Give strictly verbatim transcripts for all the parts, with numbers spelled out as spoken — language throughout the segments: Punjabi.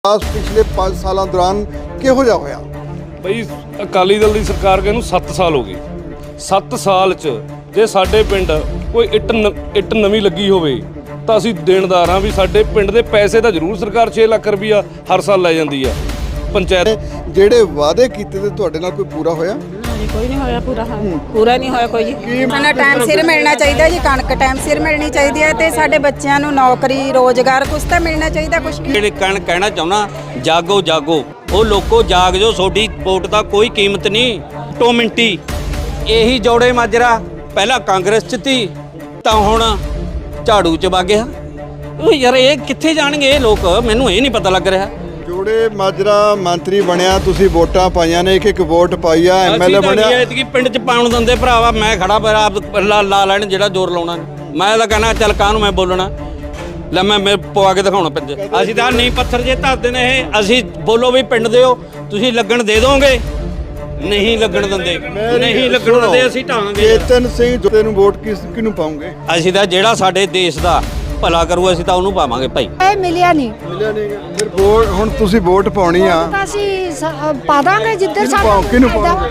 पिछले पाँच साल दौरान किहो जिहा होया बई अकाली दल की सरकार के सत्त साल हो गए। सत्त साल च जे साडे पिंड कोई इट न इट नवीं लगी होवे तां असीं देणदार हां भी साडे पिंड दे पैसे तां जरूर सरकार छे लाख रुपया हर साल लै जांदी आ। पंचायत ਜਿਹੜੇ वादे कीते ते तुहाडे नाल कोई पूरा होया? कोई नहीं होया पूरा। पूरा नहीं होया कोई जी। सानू टाइम सिर मिलना चाहिए जी, कणक टाइम सिर मिलनी चाहिए है ते साडे बच्चों नू नौकरी रोजगार कुछ तो मिलना चाहिए। कुछ ਜਿਹੜੇ ਕਣ ਕਹਿਣਾ ਚਾਹੁੰਦਾ ਜਾਗੋ ਜਾਗੋ ਉਹ ਲੋਕੋ ਜਾਗ ਜੋ ਤੁਹਾਡੀ ਵੋਟ ਦਾ ਕੋਈ ਕੀਮਤ ਨਹੀਂ। ਟੋ ਮਿੰਟੀ ਇਹੀ ਜੋੜੇ ਮਾਜਰਾ ਪਹਿਲਾਂ ਕਾਂਗਰਸ ਚ ਤੀ ਤਾਂ ਹੁਣ ਝਾੜੂ ਚ ਵਗ ਗਿਆ। ਉਹ ਯਾਰ ਇਹ ਕਿੱਥੇ ਜਾਣਗੇ ਇਹ ਲੋਕ, ਮੈਨੂੰ ਇਹ ਨਹੀਂ ਪਤਾ ਲੱਗ ਰਿਹਾ। ਜੋੜੇ ਮਾਜਰਾ ਮੰਤਰੀ ਬਣਿਆ, ਤੁਸੀਂ ਵੋਟਾਂ ਪਾਈਆਂ ਨੇ, ਇੱਕ ਇੱਕ ਵੋਟ ਪਾਈ ਆ, ਐਮਐਲਏ ਬਣਿਆ। ਐਤਕੀ ਪਿੰਡ ਚ ਪਾਉਣ ਦਿੰਦੇ ਭਰਾਵਾ, ਮੈਂ ਖੜਾ ਪਰ ਆਪ ਲਾ ਲਾ ਲੈਣ ਜਿਹੜਾ ਜ਼ੋਰ ਲਾਉਣਾ। ਮੈਂ ਤਾਂ ਕਹਿਣਾ ਚੱਲ ਕਾਹਨੂੰ ਮੈਂ ਬੋਲਣਾ, ਲੈ ਮੈਂ ਮੈਂ ਪਵਾ ਕੇ ਦਿਖਾਉਣਾ ਪਿੰਡ। ਅਸੀਂ ਤਾਂ ਨਹੀਂ ਪੱਥਰ ਜੇ ਧਰਦੇ ਨੇ ਇਹ, ਅਸੀਂ ਬੋਲੋ ਵੀ ਪਿੰਡ ਦਿਓ, ਤੁਸੀਂ ਲੱਗਣ ਦੇ ਦੋਗੇ, ਨਹੀਂ ਲੱਗਣ ਦਿੰਦੇ, ਨਹੀਂ ਲੱਗਣ ਦਿੰਦੇ ਅਸੀਂ ਢਾਂਗੇ। ਚੇਤਨ ਸਿੰਘ ਜੋੜੇ ਨੂੰ ਵੋਟ ਕਿਸ ਕਿਹਨੂੰ ਪਾਉਂਗੇ? ਅਸੀਂ ਤਾਂ ਜਿਹੜਾ ਸਾਡੇ ਦੇਸ਼ ਦਾ ਭਲਾ ਕਰੂ ਅਸੀਂ ਤਾਂ ਉਹਨੂੰ ਪਾਵਾਂਗੇ ਭਾਈ। ਇਹ ਮਿਲਿਆ ਨਹੀਂ ਮਿਲਿਆ ਨਹੀਂ। ਫਿਰ ਵੋਟ ਹੁਣ ਤੁਸੀਂ ਵੋਟ ਪਾਉਣੀ ਆ ਤਾਂ ਅਸੀਂ ਸ- ਪਾ ਦਾਂਗੇ ਜਿੱਧਰ ਕਿਹਨੂੰ ਪਾਓ- ਕਿਹਨੂੰ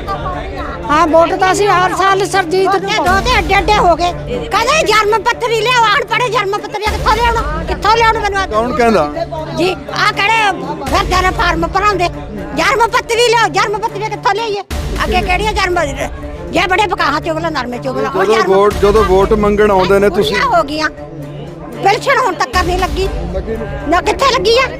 ਹਾਂ ਵੋਟ ਤਾਂ ਅਸੀਂ ਹਰ ਸਾਲ ਸਰਜੀਤ ਨੂੰ ਦੋ ਤੇ ਅੱਡੇ ਅੱਡੇ ਹੋ ਗਏ। ਕਹਿੰਦੇ ਜਨਮ ਪੱਤਰੀ ਲਿਆਓ, ਆਣ ਪੜੇ ਜਨਮ ਪੱਤਰੀ ਕਿੱਥੋਂ ਲਿਆਉਣਾ, ਕਿੱਥੋਂ ਲਿਆਉਣਾ ਮੈਨੂੰ ਕੌਣ ਕਹਿੰਦਾ ਜੀ? ਆ ਕਿਹੜੇ ਫਿਰਦੇ ਨੇ ਫਾਰਮ ਭਰਾਉਂਦੇ, ਜਨਮ ਪੱਤਰੀ ਲਿਆਓ, ਜਨਮ ਪੱਤਰੀ ਕਿੱਥੋਂ ਲਿਆਈਏ? ਅੱਗੇ ਕਿਹੜੀਆਂ ਜਨਮ ਜੇ ਬੜੇ ਬਕਾਹਾ ਚੁਗਲਾ ਨਰਮੇ ਚੁਗਲਾ ਉਹ ਜਦੋਂ ਵੋਟ ਜਦੋਂ ਵੋਟ ਮੰਗਣ ਆਉਂਦੇ ਨੇ ਤੁਸੀਂ ਹੋ ਗਈਆਂ। ਪੈਨਸ਼ਨ ਹੁਣ ਤੱਕ ਨਹੀਂ ਲੱਗੀ ਨਾ, ਕਿੱਥੇ ਲੱਗੀ ਆ?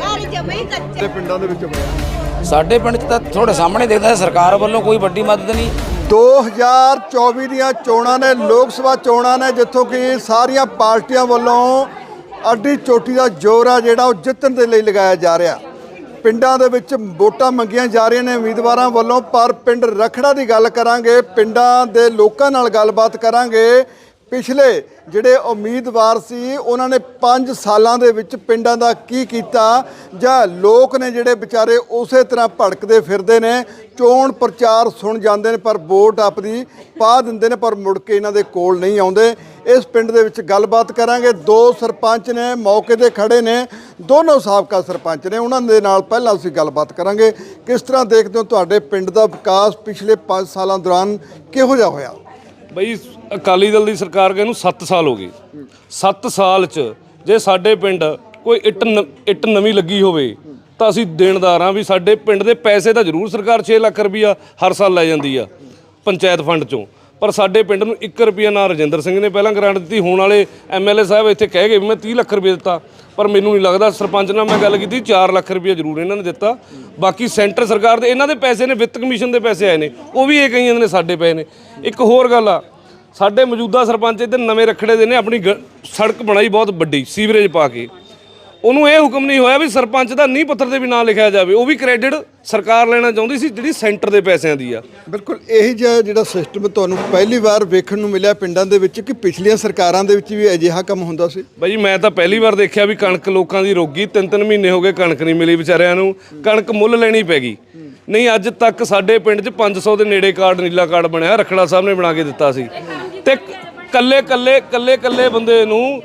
ਤੇ ਪਿੰਡਾਂ ਦੇ ਵਿੱਚ ਹੋਇਆ। ਸਾਡੇ ਪਿੰਡ 'ਚ ਤਾਂ ਤੁਹਾਡੇ ਸਾਹਮਣੇ ਦੇਖਦਾ ਸਰਕਾਰ ਵੱਲੋਂ ਕੋਈ ਵੱਡੀ ਮਦਦ ਨਹੀਂ। ਦੋ ਹਜ਼ਾਰ ਚੌਵੀ ਦੀਆਂ ਚੋਣਾਂ ਨੇ, ਲੋਕ ਸਭਾ ਚੋਣਾਂ ਨੇ, ਜਿੱਥੋਂ ਕਿ ਸਾਰੀਆਂ ਪਾਰਟੀਆਂ ਵੱਲੋਂ ਅੱਡੀ ਚੋਟੀ ਦਾ ਜ਼ੋਰ ਆ ਜਿਹੜਾ ਉਹ ਜਿੱਤਣ ਦੇ ਲਈ ਲਗਾਇਆ ਜਾ ਰਿਹਾ। ਪਿੰਡਾਂ ਦੇ ਵਿੱਚ ਵੋਟਾਂ ਮੰਗੀਆਂ ਜਾ ਰਹੀਆਂ ਨੇ ਉਮੀਦਵਾਰਾਂ ਵੱਲੋਂ, ਪਰ ਪਿੰਡ ਰਖੜਾ ਦੀ ਗੱਲ ਕਰਾਂਗੇ, ਪਿੰਡਾਂ ਦੇ ਲੋਕਾਂ ਨਾਲ ਗੱਲਬਾਤ ਕਰਾਂਗੇ। ਪਿਛਲੇ ਜਿਹੜੇ ਉਮੀਦਵਾਰ ਸੀ ਉਹਨਾਂ ਨੇ ਪੰਜ ਸਾਲਾਂ ਦੇ ਵਿੱਚ ਪਿੰਡਾਂ ਦਾ ਕੀ ਕੀਤਾ, ਜਾਂ ਲੋਕ ਨੇ ਜਿਹੜੇ ਵਿਚਾਰੇ ਉਸੇ ਤਰ੍ਹਾਂ ਭੜਕਦੇ ਫਿਰਦੇ ਨੇ, ਚੋਣ ਪ੍ਰਚਾਰ ਸੁਣ ਜਾਂਦੇ ਨੇ ਪਰ ਵੋਟ ਆਪਣੀ ਪਾ ਦਿੰਦੇ ਨੇ ਪਰ ਮੁੜ ਕੇ ਇਹਨਾਂ ਦੇ ਕੋਲ ਨਹੀਂ ਆਉਂਦੇ। ਇਸ ਪਿੰਡ ਦੇ ਵਿੱਚ ਗੱਲਬਾਤ ਕਰਾਂਗੇ। ਦੋ ਸਰਪੰਚ ਨੇ ਮੌਕੇ 'ਤੇ ਖੜੇ ਨੇ, ਦੋਨੋਂ ਸਾਬਕਾ ਸਰਪੰਚ ਨੇ, ਉਹਨਾਂ ਦੇ ਨਾਲ ਪਹਿਲਾਂ ਅਸੀਂ ਗੱਲਬਾਤ ਕਰਾਂਗੇ। ਕਿਸ ਤਰ੍ਹਾਂ ਦੇਖਦੇ ਹੋ ਤੁਹਾਡੇ ਪਿੰਡ ਦਾ ਵਿਕਾਸ ਪਿਛਲੇ ਪੰਜ ਸਾਲਾਂ ਦੌਰਾਨ ਕਿਹੋ ਜਿਹਾ ਹੋਇਆ? ਬਈ ਅਕਾਲੀ ਦਲ ਦੀ ਸਰਕਾਰ ਕੇ ਸੱਤ ਸਾਲ ਹੋ ਗਏ। ਸੱਤ ਸਾਲ ਚ ਜੇ ਸਾਡੇ ਪਿੰਡ ਕੋਈ ਇਟ ਨ ਇਟ ਨਵੀਂ ਲੱਗੀ ਹੋਵੇ ਤਾਂ ਅਸੀਂ ਦੇਣਦਾਰ ਹਾਂ ਵੀ ਸਾਡੇ ਪਿੰਡ ਦੇ ਪੈਸੇ ਤਾਂ ਜ਼ਰੂਰ ਸਰਕਾਰ ਛੇ ਲੱਖ ਰੁਪਇਆ ਹਰ ਸਾਲ ਲੈ ਜਾਂਦੀ ਆ ਪੰਚਾਇਤ ਫੰਡ ਚੋਂ, ਪਰ ਸਾਡੇ ਪਿੰਡ ਨੂੰ ਇੱਕ ਰੁਪਈਆ ਨਾ ਰਜਿੰਦਰ ਸਿੰਘ ਨੇ ਪਹਿਲਾਂ ਗ੍ਰਾਂਟ ਦਿੱਤੀ। ਹੁਣ ਵਾਲੇ ਐਮਐਲਏ ਸਾਹਿਬ ਇੱਥੇ ਕਹਿ ਗਏ ਵੀ ਮੈਂ ਤੀਹ ਲੱਖ ਰੁਪਏ ਦਿੱਤਾ, ਪਰ ਮੈਨੂੰ ਨਹੀਂ ਲੱਗਦਾ। ਸਰਪੰਚ ਨਾਲ ਮੈਂ ਗੱਲ ਕੀਤੀ, ਚਾਰ ਲੱਖ ਰੁਪਏ ਜ਼ਰੂਰ ਇਹਨਾਂ ਨੇ ਦਿੱਤਾ। ਬਾਕੀ ਸੈਂਟਰ ਸਰਕਾਰ ਦੇ ਇਹਨਾਂ ਦੇ ਪੈਸੇ ਨੇ, ਵਿੱਤ ਕਮਿਸ਼ਨ ਦੇ ਪੈਸੇ ਆਏ ਨੇ, ਉਹ ਵੀ ਇਹ ਕਹੀ ਜਾਂਦੇ ਨੇ ਸਾਡੇ ਪਏ ਨੇ। ਇੱਕ ਹੋਰ ਗੱਲ ਆ, ਸਾਡੇ ਮੌਜੂਦਾ ਸਰਪੰਚ ਇੱਧਰ ਨਵੇਂ ਰਖੜੇ ਦੇ ਨੇ ਆਪਣੀ ਸੜਕ ਬਣਾਈ ਬਹੁਤ ਵੱਡੀ ਸੀਵਰੇਜ ਪਾ ਕੇ, ਉਹਨੂੰ ਇਹ ਹੁਕਮ ਨਹੀਂ ਹੋਇਆ ਵੀ ਸਰਪੰਚ ਦਾ ਨੀਂਹ ਪੱਥਰ 'ਤੇ ਵੀ ਨਾਂ ਲਿਖਿਆ ਜਾਵੇ। ਉਹ ਵੀ ਕ੍ਰੈਡਿਟ ਸਰਕਾਰ ਲੈਣਾ ਚਾਹੁੰਦੀ ਸੀ ਜਿਹੜੀ ਸੈਂਟਰ ਦੇ ਪੈਸਿਆਂ ਦੀ ਆ। ਬਿਲਕੁਲ ਇਹੀ ਜਿਹਾ ਜਿਹੜਾ ਸਿਸਟਮ ਤੁਹਾਨੂੰ ਪਹਿਲੀ ਵਾਰ ਵੇਖਣ ਨੂੰ ਮਿਲਿਆ ਪਿੰਡਾਂ ਦੇ ਵਿੱਚ, ਕਿ ਪਿਛਲੀਆਂ ਸਰਕਾਰਾਂ ਦੇ ਵਿੱਚ ਵੀ ਅਜਿਹਾ ਕੰਮ ਹੁੰਦਾ ਸੀ? ਬਾਈ ਮੈਂ ਤਾਂ ਪਹਿਲੀ ਵਾਰ ਦੇਖਿਆ ਵੀ ਕਣਕ ਲੋਕਾਂ ਦੀ ਰੋਗੀ, ਤਿੰਨ ਤਿੰਨ ਮਹੀਨੇ ਹੋ ਗਏ ਕਣਕ ਨਹੀਂ ਮਿਲੀ ਵਿਚਾਰਿਆਂ ਨੂੰ, ਕਣਕ ਮੁੱਲ ਲੈਣੀ ਪੈ ਗਈ। ਨਹੀਂ ਅੱਜ ਤੱਕ ਸਾਡੇ ਪਿੰਡ 'ਚ ਪੰਜ ਸੌ ਦੇ ਨੇੜੇ ਕਾਰਡ, ਨੀਲਾ ਕਾਰਡ ਬਣਿਆ, ਰਖੜਾ ਸਾਹਿਬ ਨੇ ਬਣਾ ਕੇ ਦਿੱਤਾ ਸੀ। ਤੇ ਕੱਲੇ ਕੱਲੇ ਕੱਲੇ ਕੱਲੇ ਬੰਦੇ ਨੂੰ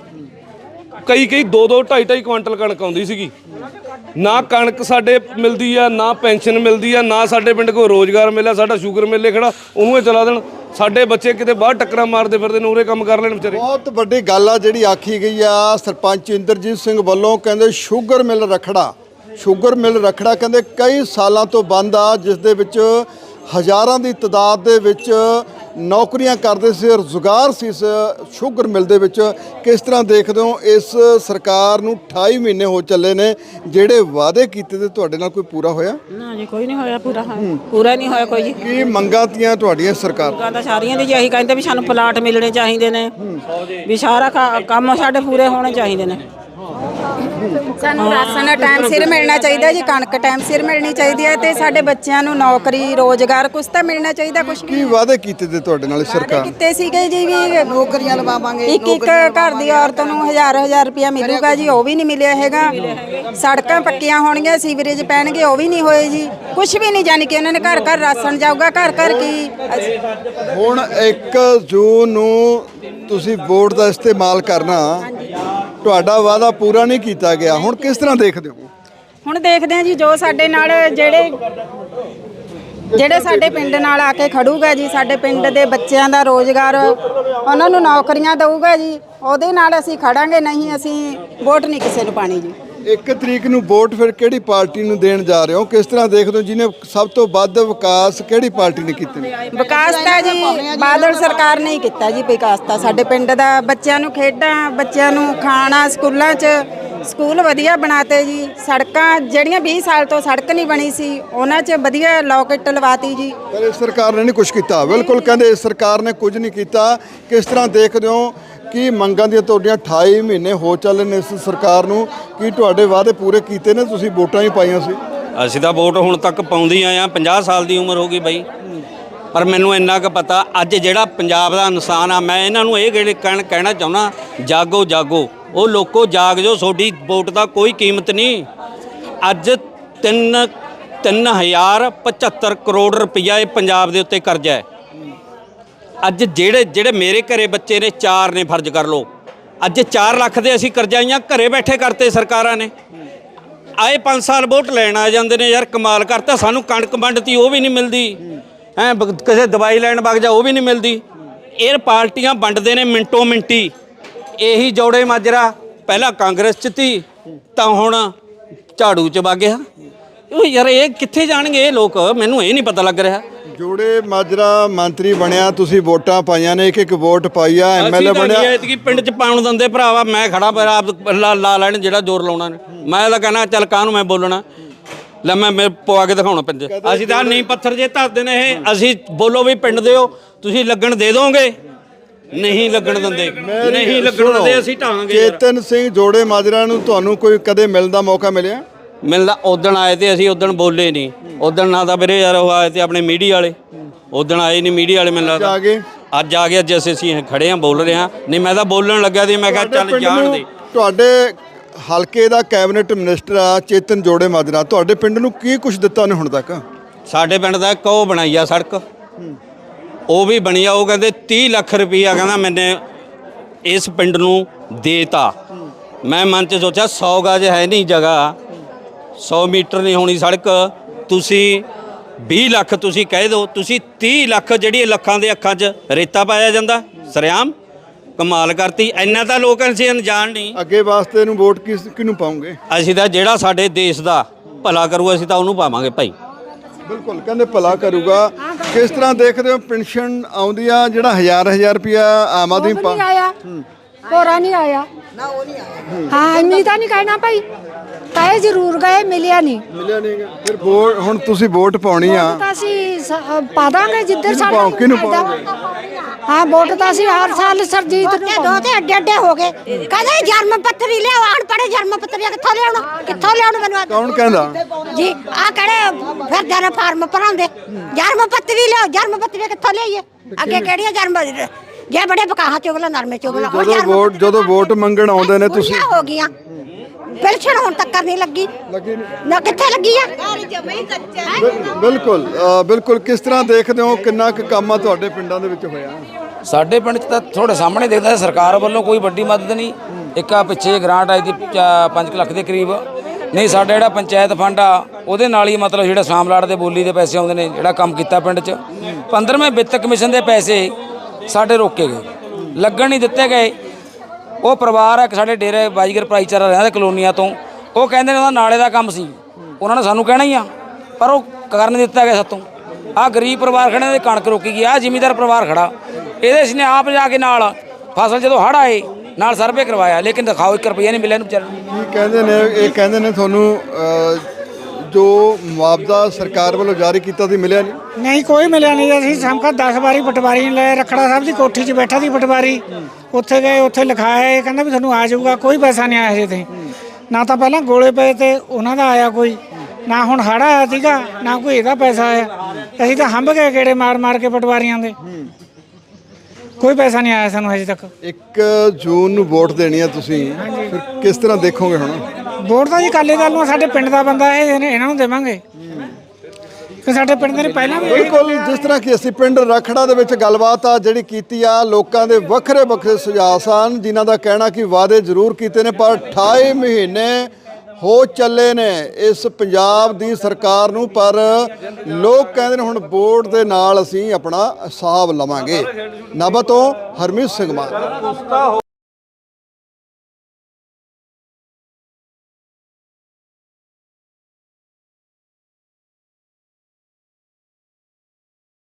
ਕਈ ਕਈ ਦੋ ਦੋ ਢਾਈ ਢਾਈ ਕੁਆਂਟਲ ਕਣਕ ਆਉਂਦੀ ਸੀਗੀ। ਨਾ ਕਣਕ ਸਾਡੇ ਮਿਲਦੀ ਆ, ਨਾ ਪੈਨਸ਼ਨ ਮਿਲਦੀ ਆ, ਨਾ ਸਾਡੇ ਪਿੰਡ ਕੋਈ ਰੋਜ਼ਗਾਰ ਮਿਲਿਆ। ਸਾਡਾ ਸ਼ੂਗਰ ਮਿਲੇ ਖੜਾ, ਉਹਨੂੰ ਹੀ ਚਲਾ ਦੇਣ। ਸਾਡੇ ਬੱਚੇ ਕਿਤੇ ਬਾਹਰ ਟੱਕਰਾਂ ਮਾਰਦੇ ਫਿਰਦੇ ਨੇ, ਉਰੇ ਕੰਮ ਕਰ ਲੈਣ ਵਿਚਾਰੇ। ਬਹੁਤ ਵੱਡੀ ਗੱਲ ਆ ਜਿਹੜੀ ਆਖੀ ਗਈ ਆ ਸਰਪੰਚ ਇੰਦਰਜੀਤ ਸਿੰਘ ਵੱਲੋਂ, ਕਹਿੰਦੇ ਸ਼ੂਗਰ ਮਿਲ ਰਖੜਾ, ਸ਼ੂਗਰ ਮਿਲ ਰਖੜਾ ਕਹਿੰਦੇ ਕਈ ਸਾਲਾਂ ਤੋਂ ਬੰਦ ਆ, ਜਿਸ ਦੇ ਵਿੱਚ ਹਜ਼ਾਰਾਂ ਦੀ ਤਾਦਾਦ ਦੇ ਵਿੱਚ ਨੌਕਰੀਆਂ ਕਰਦੇ ਸੀ, ਰੁਜ਼ਗਾਰ ਸੀ ਇਸ ਸ਼ੂਗਰ ਮਿਲ ਦੇ ਵਿੱਚ। ਕਿਸ ਤਰ੍ਹਾਂ ਦੇਖਦੇ ਹੋ ਇਸ ਸਰਕਾਰ ਨੂੰ? ਅਠਾਈ ਮਹੀਨੇ ਹੋ ਚੱਲੇ ਨੇ, ਜਿਹੜੇ ਵਾਅਦੇ ਕੀਤੇ ਤੇ ਤੁਹਾਡੇ ਨਾਲ ਕੋਈ ਪੂਰਾ ਹੋਇਆ? ਨਾ ਜੀ ਕੋਈ ਨਹੀਂ ਹੋਇਆ ਪੂਰਾ। ਪੂਰਾ ਨਹੀਂ ਹੋਇਆ ਕੋਈ ਜੀ। ਕੀ ਮੰਗਾਂ ਤੀਆਂ ਤੁਹਾਡੀਆਂ ਸਰਕਾਰ? ਮੰਗਾਂ ਤਾਂ ਸਾਰੀਆਂ ਦੀ ਇਹੀ ਕਹਿੰਦੇ ਵੀ ਸਾਨੂੰ ਪਲਾਟ ਮਿਲਣੇ ਚਾਹੀਦੇ ਨੇ, ਵੀ ਸਾਰਾ ਕੰਮ ਸਾਡੇ ਪੂਰੇ ਹੋਣੇ ਚਾਹੀਦੇ ਨੇ। ਸਾਨੂੰ ਰਾਸ਼ਨ ਟਾਈਮ ਸਿਰ ਮਿਲਣਾ ਚਾਹੀਦਾ ਜੀ, ਕਣਕ ਟਾਈਮ ਸਿਰ ਮਿਲਣੀ ਚਾਹੀਦੀ ਹੈ ਤੇ ਸਾਡੇ ਬੱਚਿਆਂ ਨੂੰ ਨੌਕਰੀ ਰੋਜ਼ਗਾਰ ਕੁਛ ਤਾਂ ਮਿਲਣਾ ਚਾਹੀਦਾ। ਕੁਛ ਕੀ ਵਾਅਦੇ ਕੀਤੇ ਤੇ ਤੁਹਾਡੇ ਨਾਲ ਸਰਕਾਰ? ਕੀਤੇ ਸੀਗੇ ਜੀ ਵੀ ਨੌਕਰੀਆਂ ਲਵਾਵਾਂਗੇ, ਇੱਕ ਇੱਕ ਘਰ ਦੀ ਔਰਤ ਨੂੰ ਹਜ਼ਾਰ ਹਜ਼ਾਰ ਰੁਪਇਆ ਮਿਲੂਗਾ ਜੀ, ਉਹ ਵੀ ਨਹੀਂ ਮਿਲਿਆ ਹੈਗਾ। ਸੜਕਾਂ ਪੱਕੀਆਂ ਹੋਣਗੀਆਂ, ਸੀਵਰੇਜ ਪੈਣਗੇ, ਉਹ ਵੀ ਨਹੀਂ ਹੋਏ ਜੀ। ਕੁਛ ਵੀ ਨਹੀਂ, ਜਾਣੀ ਕਿ ਉਹਨਾਂ ਨੇ ਘਰ ਘਰ ਰਾਸ਼ਨ ਜਾਊਗਾ, ਘਰ ਘਰ ਕੀ। ਹੁਣ ਇੱਕ ਜੂਨ ਨੂੰ ਤੁਸੀਂ ਵੋਟ ਦਾ ਇਸਤੇਮਾਲ ਕਰਨਾ, ਤੁਹਾਡਾ ਵਾਅਦਾ ਪੂਰਾ ਨਹੀਂ ਕੀਤਾ ਗਿਆ, ਹੁਣ ਕਿਸ ਤਰ੍ਹਾਂ ਦੇਖਦੇ ਹੋ? ਹੁਣ ਦੇਖਦੇ ਆ ਜੀ ਜੋ ਸਾਡੇ ਨਾਲ ਜਿਹੜੇ ਜਿਹੜੇ ਸਾਡੇ ਪਿੰਡ ਨਾਲ ਆ ਕੇ ਖੜੂਗਾ ਜੀ, ਸਾਡੇ ਪਿੰਡ ਦੇ ਬੱਚਿਆਂ ਦਾ ਰੋਜ਼ਗਾਰ, ਉਹਨਾਂ ਨੂੰ ਨੌਕਰੀਆਂ ਦਊਗਾ ਜੀ, ਉਹਦੇ ਨਾਲ ਅਸੀਂ ਖੜਾਂਗੇ, ਨਹੀਂ ਅਸੀਂ ਵੋਟ ਨਹੀਂ ਕਿਸੇ ਨੂੰ ਪਾਣੀ ਜੀ। ਇੱਕ ਤਰੀਕ ਨੂੰ ਵੋਟ ਫਿਰ ਕਿਹੜੀ ਪਾਰਟੀ ਨੂੰ ਦੇਣ ਜਾ ਰਹੇ ਹੋ? ਕਿਸ ਤਰ੍ਹਾਂ ਦੇਖਦੇ ਹੋ ਜਿਹਨੇ ਸਭ ਤੋਂ ਵੱਧ ਵਿਕਾਸ ਕਿਹੜੀ ਪਾਰਟੀ ਨੇ ਕੀਤੇ ਨੇ? ਵਿਕਾਸ ਤਾਂ ਜੀ ਬਾਦਲ ਸਰਕਾਰ ਨੇ ਹੀ ਕੀਤਾ ਜੀ। ਵਿਕਾਸ ਤਾਂ ਸਾਡੇ ਪਿੰਡ ਦਾ, ਬੱਚਿਆਂ ਨੂੰ ਖੇਡਾਂ, ਬੱਚਿਆਂ ਨੂੰ ਖਾਣਾ, ਸਕੂਲਾਂ 'ਚ ਸਕੂਲ ਵਧੀਆ ਬਣਾਤੇ ਜੀ। ਸੜਕਾਂ ਜਿਹੜੀਆਂ ਵੀਹ ਸਾਲ ਤੋਂ ਸੜਕ ਨਹੀਂ ਬਣੀ ਸੀ, ਉਹਨਾਂ 'ਚ ਵਧੀਆ ਲੋਕਟ ਲਵਾਤੀ ਜੀ। ਪਰ ਇਸ ਸਰਕਾਰ ਨੇ ਨਹੀਂ ਕੁਝ ਕੀਤਾ। ਬਿਲਕੁਲ ਕਹਿੰਦੇ ਇਸ ਸਰਕਾਰ ਨੇ ਕੁਝ ਨਹੀਂ ਕੀਤਾ। ਕਿਸ ਤਰ੍ਹਾਂ ਦੇਖਦੇ ਹੋ ਕਿ ਮੰਗਾਂ ਦੀਆਂ ਤੁਹਾਡੀਆਂ ਅਠਾਈ ਮਹੀਨੇ ਹੋ ਚੱਲੇ ਨੇ ਇਸ ਸਰਕਾਰ ਨੂੰ, ਕੀ ਤੁਹਾਡੇ ਵਾਅਦੇ ਪੂਰੇ ਕੀਤੇ ਨੇ? ਤੁਸੀਂ ਵੋਟਾਂ ਹੀ ਪਾਈਆਂ ਸੀ। ਅਸੀਂ ਤਾਂ ਵੋਟ ਹੁਣ ਤੱਕ ਪਾਉਂਦੇ ਆਏ ਆ, ਪੰਜਾਹ ਸਾਲ ਦੀ ਉਮਰ ਹੋ ਗਈ ਬਾਈ, ਪਰ ਮੈਨੂੰ ਇੰਨਾ ਕੁ ਪਤਾ ਅੱਜ ਜਿਹੜਾ ਪੰਜਾਬ ਦਾ ਇਨਸਾਨ ਆ, ਮੈਂ ਇਹਨਾਂ ਨੂੰ ਇਹ ਜਿਹੜੇ ਕਹਿਣ ਕਹਿਣਾ ਚਾਹੁੰਦਾ, ਜਾਗੋ ਜਾਗੋ ਉਹ ਲੋਕੋ ਜਾਗ ਜੋ, ਤੁਹਾਡੀ ਵੋਟ ਦਾ ਕੋਈ ਕੀਮਤ ਨਹੀਂ। ਅੱਜ ਤਿੰਨ ਤਿੰਨ ਹਜ਼ਾਰ ਪਝੱਤਰ ਕਰੋੜ ਰੁਪਈਆ ਇਹ ਪੰਜਾਬ ਦੇ ਉੱਤੇ ਕਰਜ਼ਾ ਹੈ। ਅੱਜ ਜਿਹੜੇ ਜਿਹੜੇ ਮੇਰੇ ਘਰੇ ਬੱਚੇ ਨੇ, ਚਾਰ ਨੇ ਫਰਜ਼ ਕਰ ਲਓ, ਅੱਜ ਚਾਰ ਲੱਖ ਦੇ ਅਸੀਂ ਕਰਜ਼ਾਈਆਂ ਘਰੇ ਬੈਠੇ ਕਰਤੇ ਸਰਕਾਰਾਂ ਨੇ। ਆਏ ਪੰਜ ਸਾਲ ਵੋਟ ਲੈਣ ਆ ਜਾਂਦੇ ਨੇ, ਯਾਰ ਕਮਾਲ ਕਰਤਾ। ਸਾਨੂੰ ਕਣਕ ਵੰਡਤੀ ਉਹ ਵੀ ਨਹੀਂ ਮਿਲਦੀ ਹੈ, ਕਿਸੇ ਦਵਾਈ ਲੈਣ ਵਗ ਜਾ ਉਹ ਵੀ ਨਹੀਂ ਮਿਲਦੀ। ਇਹ ਪਾਰਟੀਆਂ ਵੰਡਦੇ ਨੇ ਮਿੰਟੋ ਮਿੰਟੀ। ਇਹੀ ਜੋੜੇ ਮਾਜਰਾ ਪਹਿਲਾਂ ਕਾਂਗਰਸ 'ਚ ਤੀ ਤਾਂ ਹੁਣ ਝਾੜੂ 'ਚ ਵਗ ਗਿਆ। ਉਹ ਯਾਰ ਇਹ ਕਿੱਥੇ ਜਾਣਗੇ ਇਹ ਲੋਕ, ਮੈਨੂੰ ਇਹ ਨਹੀਂ ਪਤਾ ਲੱਗ ਰਿਹਾ। ਜੋੜੇ ਮਾਜਰਾ ਮੰਤਰੀ ਬਣਿਆ, ਤੁਸੀਂ ਵੋਟਾਂ ਪਾਈਆਂ ਨੇ, ਇੱਕ ਇੱਕ ਵੋਟ ਪਾਈ ਆ, ਐਮਐਲਏ ਬਣਿਆ। ਐਤਕੀ ਪਿੰਡ 'ਚ ਪਾਉਣ ਦਿੰਦੇ ਭਰਾਵਾ, ਮੈਂ ਖੜਾ ਪਰ ਆਪ ਲਾ ਲਾ ਲੈਣ ਜਿਹੜਾ ਜ਼ੋਰ ਲਾਉਣਾ ਨੇ। ਮੈਂ ਤਾਂ ਕਹਿਣਾ ਚੱਲ ਕਾਹਨੂੰ ਮੈਂ ਬੋਲਣਾ, ਲੈ ਮੈਂ ਮੈਂ ਪਵਾ ਕੇ ਦਿਖਾਉਣਾ ਪਿੰਡ। ਅਸੀਂ ਤਾਂ ਨਹੀਂ ਪੱਥਰ ਜੇ ਧਰਦੇ ਨੇ ਇਹ, ਅਸੀਂ ਬੋਲੋ ਵੀ ਪਿੰਡ ਦੇ ਹੋ, ਤੁਸੀਂ ਲੱਗਣ ਦੇ ਦੋਗੇ, ਨਹੀਂ ਲੱਗਣ ਦਿੰਦੇ, ਨਹੀਂ ਲੱਗਣ ਦਿੰਦੇ ਅਸੀਂ ਢਾਂਗੇ। ਚੇਤਨ ਸਿੰਘ ਜੋੜੇ ਮਾਜਰਾ ਨੂੰ ਤੁਹਾਨੂੰ ਕੋਈ ਕਦੇ ਮਿਲਣ ਦਾ ਮੌਕਾ ਮਿਲਿਆ? ਮਿਲਦਾ ਉਦਣ ਆਏ ਤੇ ਅਸੀਂ ਉਦਣ ਬੋਲੇ ਨਹੀਂ। ਉਦਣ ਨਾ ਤਾਂ ਵੀਰੇ ਯਾਰ ਉਹ ਆਏ ਤੇ ਆਪਣੇ ਮੀਡੀਆ ਵਾਲੇ, ਉਦਣ ਆਏ ਨਹੀਂ ਮੀਡੀਆ ਵਾਲੇ। ਮੈਨੂੰ ਲੱਗਦਾ ਆ ਗਏ ਅੱਜ ਆ ਗਏ। ਅੱਜ ਅਸੀਂ ਅਸੀਂ ਖੜੇ ਆ ਬੋਲ ਰਹੇ ਹਾਂ, ਨਹੀਂ ਮੈਂ ਤਾਂ ਬੋਲਣ ਲੱਗਾ ਸੀ। ਮੈਂ ਕਿਹਾ ਚੱਲ ਜਾਣ ਦੇ। ਤੁਹਾਡੇ ਹਲਕੇ ਦਾ ਕੈਬਨਿਟ ਮਿਨਿਸਟਰ ਆ ਚੇਤਨ ਜੋੜੇ ਮਾਜਰਾ, ਤੁਹਾਡੇ ਪਿੰਡ ਨੂੰ ਕੀ ਕੁਝ ਦਿੱਤਾ ਉਹਨੇ ਹੁਣ ਤੱਕ? ਸਾਡੇ ਪਿੰਡ ਦਾ ਇੱਕ ਉਹ ਬਣਾਈ ਆ ਸੜਕ, ਉਹ ਵੀ ਬਣੀ ਆ। ਉਹ ਕਹਿੰਦੇ ਤੀਹ ਲੱਖ ਰੁਪਈਆ ਕਹਿੰਦਾ ਮੈਨੇ ਇਸ ਪਿੰਡ ਨੂੰ ਦੇਤਾ। ਮੈਂ ਮਨ 'ਚ ਸੋਚਿਆ ਸੌ ਗਜ ਹੈ ਨਹੀਂ ਜਗ੍ਹਾ, ਸੌ ਮੀਟਰ ਨਹੀਂ ਹੋਣੀ ਸੜਕ, ਤੁਸੀਂ ਵੀਹ ਲੱਖ ਤੁਸੀਂ ਕਹਿ ਦਿਓ, ਤੁਸੀਂ ਤੀਹ ਲੱਖ ਜਿਹੜੀ ਲੱਖਾਂ ਦੇ ਅੱਖਾਂ 'ਚ ਰੇਤਾ ਪਾਇਆ ਜਾਂਦਾ ਸਰਿਆਮ। ਕਮਾਲ ਕਰਤੀ। ਇੰਨਾ ਤਾਂ ਲੋਕ ਅਸੀਂ ਅਣਜਾਣ ਨਹੀਂ। ਅੱਗੇ ਵਾਸਤੇ ਨੂੰ ਵੋਟ ਕਿਸ ਕਿਹਨੂੰ ਪਾਉਂਗੇ? ਅਸੀਂ ਤਾਂ ਜਿਹੜਾ ਸਾਡੇ ਦੇਸ਼ ਦਾ ਭਲਾ ਕਰੂ ਅਸੀਂ ਤਾਂ ਉਹਨੂੰ ਪਾਵਾਂਗੇ ਭਾਈ। ਬਿਲਕੁਲ ਕਹਿੰਦੇ ਭਲਾ ਕਰੂਗਾ। ਕਿਸ ਤਰ੍ਹਾਂ ਦੇਖਦੇ ਹੋ ਪੈਨਸ਼ਨ ਆਉਂਦੀ ਆ, ਜਿਹੜਾ ਹਜ਼ਾਰ ਹਜ਼ਾਰ ਰੁਪਿਆ ਆਮ ਆਦਮੀ ਪਾ ਆਇਆ ਹੋਰਾ ਨਹੀਂ ਆਇਆ ਨਾ, ਉਹ ਨਹੀਂ ਆਇਆ। ਹਾਂ ਇੰਨੀ ਤਾਂ ਨਹੀਂ ਕਹਿਣਾ ਭਾਈ, ਕਾਏ ਜ਼ਰੂਰ ਗਏ, ਮਿਲਿਆ ਨਹੀਂ। ਮਿਲਿਆ ਨਹੀਂ। ਫਿਰ ਵੋਟ ਹੁਣ ਤੁਸੀਂ ਵੋਟ ਪਾਉਣੀ ਆ ਤਾਂ ਅਸੀਂ ਸ- ਪਾ ਦਾਂਗੇ ਜਿੱਧਰ ਸਾਡਾ ਪਾਓ, ਕਿਹਨੂੰ ਪਾਓਗੇ? ਹਾਂ ਵੋਟ ਤਾਂ ਅਸੀਂ ਹਰ ਸਾਲ ਸਰਜੀਤ ਨੂੰ ਦੋ ਤੇ ਅੱਡੇ ਅੱਡੇ ਹੋ ਗਏ। ਕਹਿੰਦੇ ਜਨਮ ਪੱਤਰੀ ਲਿਆਓ, ਅਨਪੜ੍ਹ ਜਨਮ ਪੱਤਰੀ ਕਿੱਥੋਂ ਲਿਆਉਣਾ, ਕਿੱਥੋਂ ਲਿਆਉਣਾ? ਮੈਨੂੰ ਆ ਕੌਣ ਕਹਿੰਦਾ ਜੀ ਆ ਕਿਹੜੇ ਫਿਰਦੇ ਨੇ ਫਾਰਮ ਭਰਾਉਂਦੇ, ਜਨਮ ਪੱਤਰੀ ਲਿਆਓ, ਜਨਮ ਪੱਤਰੀ ਕਿੱਥੋਂ ਲਿਆਈਏ? ਅੱਗੇ ਕਿਹੜੀਆਂ ਜਨਮ ਜੇ ਬੜੇ ਬਕਾਹਾ ਚੁਗਲਾ, ਨਰਮੇ ਚੁਗਲਾ। ਜਦੋਂ ਵੋਟ ਜਦੋਂ ਵੋਟ ਮੰਗਣ ਆਉਂਦੇ ਨੇ ਤੁਸੀਂ ਹੋ ਗਈਆਂ ਪੈਨਸ਼ਨ ਹੁਣ ਤੱਕ ਨਹੀਂ ਲੱਗੀ, ਲੱਗੀ ਨਹੀਂ? ਨਾ ਕਿੱਥੇ ਲੱਗੀ ਆ? ਬਿਲ- ਬਿਲਕੁਲ ਅ, ਬਿਲਕੁਲ। ਕਿਸ ਤਰ੍ਹਾਂ ਦੇਖਦੇ ਹੋ ਕਿੰਨਾ ਕੁ ਕੰਮ ਆ ਤੁਹਾਡੇ ਪਿੰਡਾਂ ਦੇ ਵਿੱਚ ਹੋਇਆ? ਸਾਡੇ ਪਿੰਡ 'ਚ ਤਾਂ ਤੁਹਾਡੇ ਸਾਹਮਣੇ ਦੇਖਦਾ ਹੈ, ਸਰਕਾਰ ਵੱਲੋਂ ਕੋਈ ਵੱਡੀ ਮਦਦ ਨਹੀਂ। ਇੱਕ ਆ ਪਿੱਛੇ ਗ੍ਰਾਂਟ ਆਈ ਦੀ ਪੰਜ ਲੱਖ ਦੇ ਕਰੀਬ, ਨਹੀਂ ਸਾਡਾ ਜਿਹੜਾ ਪੰਚਾਇਤ ਫੰਡ ਆ ਉਹਦੇ ਨਾਲ ਹੀ ਮਤਲਬ ਜਿਹੜਾ ਸਾਮਲਾੜ ਦੇ ਬੋਲੀ ਦੇ ਪੈਸੇ ਆਉਂਦੇ ਨੇ, ਜਿਹੜਾ ਕੰਮ ਕੀਤਾ ਪਿੰਡ 'ਚ। ਪੰਦਰਵੇਂ ਵਿੱਤ ਕਮਿਸ਼ਨ ਦੇ ਪੈਸੇ ਸਾਡੇ ਰੋਕੇ ਗਏ, ਲੱਗਣ ਨਹੀਂ ਦਿੱਤੇ ਗਏ। ਉਹ ਪਰਿਵਾਰ ਆ ਇੱਕ ਸਾਡੇ ਡੇਰੇ ਬਾਜੀਗਰ ਭਾਈਚਾਰਾ ਰਹਿੰਦਾ ਕਲੋਨੀਆਂ ਤੋਂ, ਉਹ ਕਹਿੰਦੇ ਨੇ ਉਹਦਾ ਨਾਲੇ ਦਾ ਕੰਮ ਸੀ, ਉਹਨਾਂ ਨੇ ਸਾਨੂੰ ਕਹਿਣਾ ਹੀ ਆ, ਪਰ ਉਹ ਕਰਨ ਨਹੀਂ ਦਿੱਤਾ ਗਿਆ ਸਾਤੋਂ। ਆਹ ਗਰੀਬ ਪਰਿਵਾਰ ਖੜੇ ਨੇ, ਕਣਕ ਰੋਕੀ ਗਈ। ਆਹ ਜ਼ਿਮੀਂਦਾਰ ਪਰਿਵਾਰ ਖੜਾ, ਇਹਦੇ ਇਸਨੇ ਆਪ ਜਾ ਕੇ ਨਾਲ ਫਸਲ ਜਦੋਂ ਹੜ੍ਹ ਆਏ ਨਾਲ ਸਰਵੇ ਕਰਵਾਇਆ, ਲੇਕਿਨ ਦਿਖਾਓ ਇੱਕ ਰੁਪਈਆ ਨਹੀਂ ਮਿਲਿਆ ਇਹਨੂੰ ਵਿਚਾਰੇ ਨੂੰ। ਕੀ ਕਹਿੰਦੇ ਨੇ? ਇਹ ਕਹਿੰਦੇ ਨੇ ਤੁਹਾਨੂੰ ਅ, ਜੋ ਮੁਆਵਜ਼ਾ ਸਰਕਾਰ ਵੱਲੋਂ ਜਾਰੀ ਕੀਤਾ ਸੀ ਮਿਲਿਆ ਨਹੀਂ? ਨਹੀਂ ਕੋਈ ਮਿਲਿਆ ਨਹੀਂ। ਅਸੀਂ ਸਮਕਾ ਦਸ ਵਾਰੀ ਪਟਵਾਰੀ ਲੈ ਰਖੜਾ ਸਾਹਿਬ ਦੀ ਕੋਠੀ 'ਚ ਬੈਠਾ ਸੀ ਪਟਵਾਰੀ, ਉੱਥੇ ਗਏ, ਉੱਥੇ ਲਿਖਾਇਆ, ਇਹ ਕਹਿੰਦਾ ਵੀ ਤੁਹਾਨੂੰ ਆ ਜਾਊਗਾ, ਕੋਈ ਪੈਸਾ ਨਹੀਂ ਆਇਆ ਹਜੇ ਤੇ। ਨਾ ਤਾਂ ਪਹਿਲਾਂ ਗੋਲੇ ਪਏ ਤੇ ਉਹਨਾਂ ਦਾ ਆਇਆ ਕੋਈ, ਨਾ ਹੁਣ ਹੜ੍ਹ ਆਇਆ ਸੀਗਾ, ਨਾ ਕੋਈ ਇਹਦਾ ਪੈਸਾ ਆਇਆ। ਅਸੀਂ ਤਾਂ ਹੰਭ ਗਏ ਗੇੜੇ ਮਾਰ ਮਾਰ ਕੇ ਪਟਵਾਰੀਆਂ ਦੇ, ਕੋਈ ਪੈਸਾ ਨਹੀਂ ਆਇਆ ਸਾਨੂੰ ਹਜੇ ਤੱਕ। ਇੱਕ ਜੂਨ ਨੂੰ ਵੋਟ ਦੇਣੀ ਆ ਤੁਸੀਂ, ਫਿਰ ਕਿਸ ਤਰ੍ਹਾਂ ਦੇਖੋਗੇ ਹੁਣ? ਵੋਟ ਤਾਂ ਜੀ ਅਕਾਲੀ ਦਲ ਨੂੰ, ਸਾਡੇ ਪਿੰਡ ਦਾ ਬੰਦਾ ਇਹ ਇਹਨਾਂ ਨੂੰ ਦੇਵਾਂਗੇ, ਕਿ ਸਾਡੇ ਪਿੰਡ ਦੇ ਨੇ ਪਹਿਲਾਂ ਵੀ। ਬਿਲਕੁਲ, ਜਿਸ ਤਰ੍ਹਾਂ ਕਿ ਅਸੀਂ ਪਿੰਡ ਰਖੜਾ ਦੇ ਵਿੱਚ ਗੱਲਬਾਤ ਆ ਜਿਹੜੀ ਕੀਤੀ ਆ, ਲੋਕਾਂ ਦੇ ਵੱਖਰੇ ਵੱਖਰੇ ਸੁਝਾਅ ਸਨ, ਜਿਨ੍ਹਾਂ ਦਾ ਕਹਿਣਾ ਕਿ ਵਾਅਦੇ ਜ਼ਰੂਰ ਕੀਤੇ ਨੇ ਪਰ ਅਠਾਈ ਮਹੀਨੇ ਹੋ ਚੱਲੇ ਨੇ ਇਸ ਪੰਜਾਬ ਦੀ ਸਰਕਾਰ ਨੂੰ, ਪਰ ਲੋਕ ਕਹਿੰਦੇ ਨੇ ਹੁਣ ਵੋਟ ਦੇ ਨਾਲ ਅਸੀਂ ਆਪਣਾ ਹਿਸਾਬ ਲਵਾਂਗੇ। ਨਾਭਾ ਤੋਂ ਹਰਮੀਤ ਸਿੰਘ ਮਾਨ।